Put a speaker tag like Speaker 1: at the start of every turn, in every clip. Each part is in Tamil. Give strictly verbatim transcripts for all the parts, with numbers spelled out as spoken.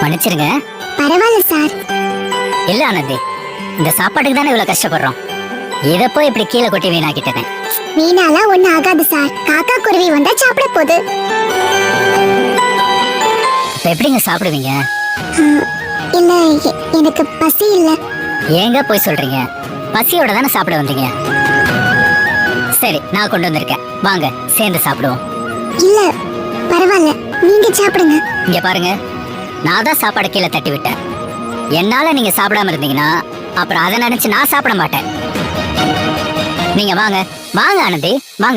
Speaker 1: மன்னிச்சிருங்க.
Speaker 2: பரவாயில்ல சார்.
Speaker 1: இல்ல ஆனந்தி, இந்த சாப்பாட்டுக்கு தானே இவ்வளவு கஷ்டப்படுறோம். இத போய் இப்படி கீழே கொட்டி வீணாக்கிட்டேன்.
Speaker 2: வீணாலாம் ஒண்ணு ஆகாது சார். காக்கா குருவி வந்தா சாப்பிட போகுது.
Speaker 1: இப்ப எப்படிங்க சாப்பிடுவீங்க?
Speaker 2: இல்ல, எனக்கு பசி இல்ல.
Speaker 1: ஏங்க போய் சொல்றீங்க? பசியோட தானே சாப்பிட வந்தீங்க. சரி, நான் கொண்டு வந்திருக்கேன், வாங்க சேர்ந்து சாப்பிடுவோம்.
Speaker 2: இல்ல பரவாயில்ல, நீங்க சாப்பிடுங்க.
Speaker 1: இங்க பாருங்க, நான் தான் சாப்பாடு கீழே தட்டி விட்டேன். என்னால நீங்க சாப்பிடாம இருந்தீங்கன்னா அப்புறம் அதை நினைச்சு நான் சாப்பிட மாட்டேன். நீங்க வாங்க வாங்க ஆனந்தி, வாங்க.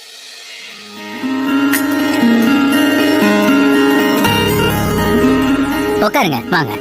Speaker 1: உட்காருங்க, வாங்க.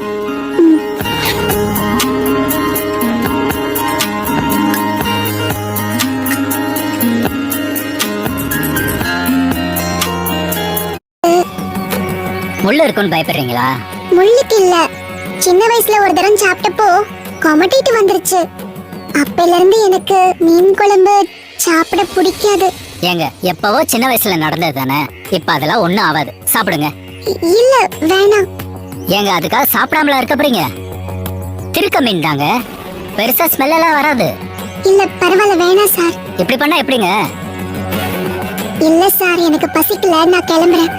Speaker 1: முள்ளு இருக்குன்னு பயப்படுறீங்களா?
Speaker 2: முள்ளுக்கு இல்ல, சின்ன வயசுல ஒரு தரம் சாப்பிட்டப்போ கொமட்டிட்டு வந்துருச்சு. அப்பையில இருந்து எனக்கு மீன் குழம்பு சாப்பிட பிடிக்காது.
Speaker 1: ஏங்க, எப்பவோ சின்ன வயசுல நடந்தது தானே, இப்ப அதெல்லாம் ஒண்ணும் ஆகாது, சாப்பிடுங்க.
Speaker 2: இல்ல வேணாம்.
Speaker 1: ஏங்க, அதுக்காக சாப்பிடாமலா இருக்க போறீங்க? திருக்க மீன் தாங்க, பெருசா ஸ்மெல் எல்லாம் வராது.
Speaker 2: இல்ல பரவாயில்ல, வேணாம் சார்.
Speaker 1: இப்படி பண்ணா எப்படிங்க?
Speaker 2: இல்ல சார், எனக்கு பசிக்கல, நான் கிளம்புறேன்.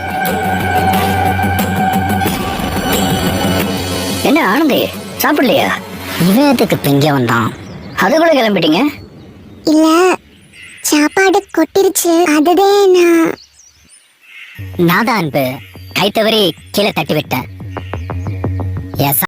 Speaker 1: என்ன ஆனந்தி, சாப்பிடலையா? இவன் எதுக்கு பிங்க வந்தான்? அதுக்குள்ள கிளம்பிட்டீங்க?
Speaker 2: இல்ல, சாப்பாடு கொட்டிருச்சு, அதுதான் நான்.
Speaker 1: நான் தான் அன்பு, கை தவறி கீழே தட்டி விட்டேன்.